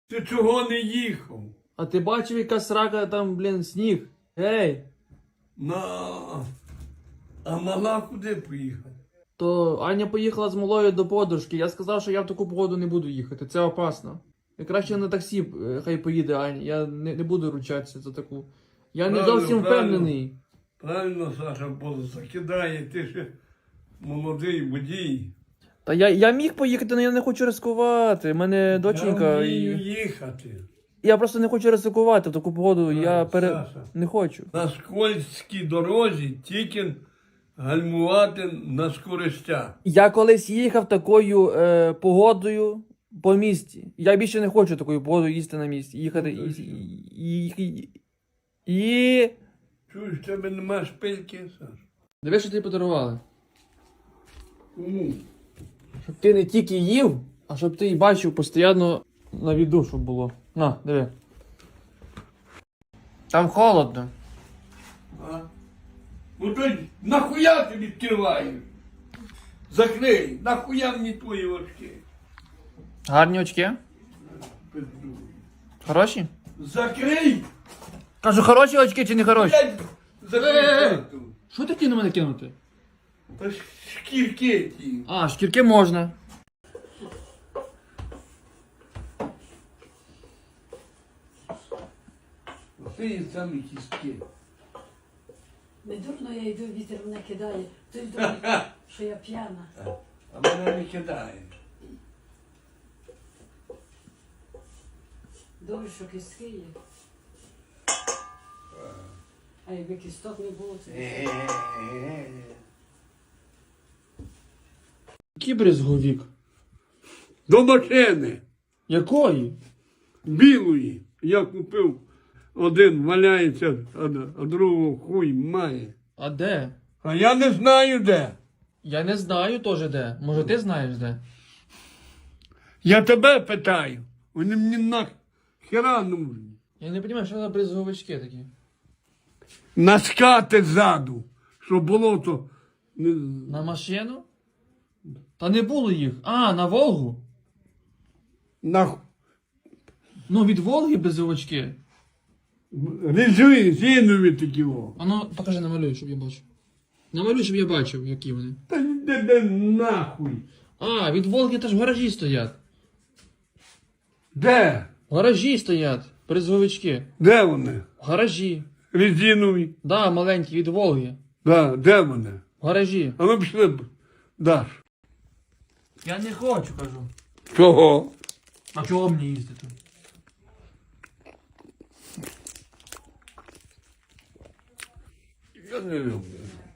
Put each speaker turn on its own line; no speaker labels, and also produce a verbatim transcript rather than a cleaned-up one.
Ти чого не їхав?
А ти бачив, яка срака там, блін, сніг? Ей!
На. А мала куди поїхала?
То Аня поїхала з малою до подружки. Я сказав, що я в таку погоду не буду їхати. Це опасно. Я краще на таксі е, хай поїде Аня. Я не, не буду ручатися за таку. Я не
Правильно,
зовсім
правильно.
впевнений.
Правильно, Саша, бо закидає, ти ще молодий водій.
Та я, я міг поїхати, але я не хочу ризикувати. У мене доченька.
Я
І...
вмію їхати.
Я просто не хочу ризикувати в таку погоду. Я пере...
Саша.
не хочу.
На скользькій дорозі тільки гальмувати на скоростях.
Я колись їхав такою е, погодою по місті. Я більше не хочу такою погодою їсти на місці. Їхати і. і, і, і...
Чуєш, в тебе нема шпильки, Саша?
Диви, що тобі подарували.
Кому?
Щоб ти не тільки їв, а щоб ти і бачив постійно на віду, щоб було. На, диви. Там холодно.
А? Ну то нахуя ти відкриваєш? Закрий, нахуя мені твої очки?
Гарні очки? Хороші?
Закрий!
Кажу, хороші очки чи не хороші?
Блядь, закрий
Е-е-е.
хату.
Що такі на мене кинути?
Та ж шкірки ті.
А, шкірки можна.
Ти самі кістки.
Не дурно я йду, вітер мене кидає. Хтось думає, що я п'яна.
А мене не кидає.
Добре, що кістки є. А якби кісток не було, то...
Який брезговік?
До машини.
Якої?
Білої. Я купив. Один валяється, а, а другого хуй має.
А де?
А я не знаю де.
Я не знаю теж де. Може ти знаєш де?
Я тебе питаю. Вони мені нахера нужні.
Я не розумію, що за брезговички такі.
Наскати ззаду, щоб було то. Не...
На машину? Та не було їх. А, на Волгу?
На...
Ну, від Волги брезговички.
Резинові такі о.
А ну, покажи, намалюй, щоб я бачив. Намалюй, щоб я бачив, які вони.
Та йди де нахуй.
А, від Волги теж в гаражі стоять.
Де?
В гаражі стоять. Брезговички.
Де вони?
В гаражі.
Резинові.
Да, маленькі, від Волги.
Да, де вони?
В гаражі.
А ми пішли б. Даш.
Я не хочу, кажу.
Чого?
А чого мені їздити?
Я не люблю.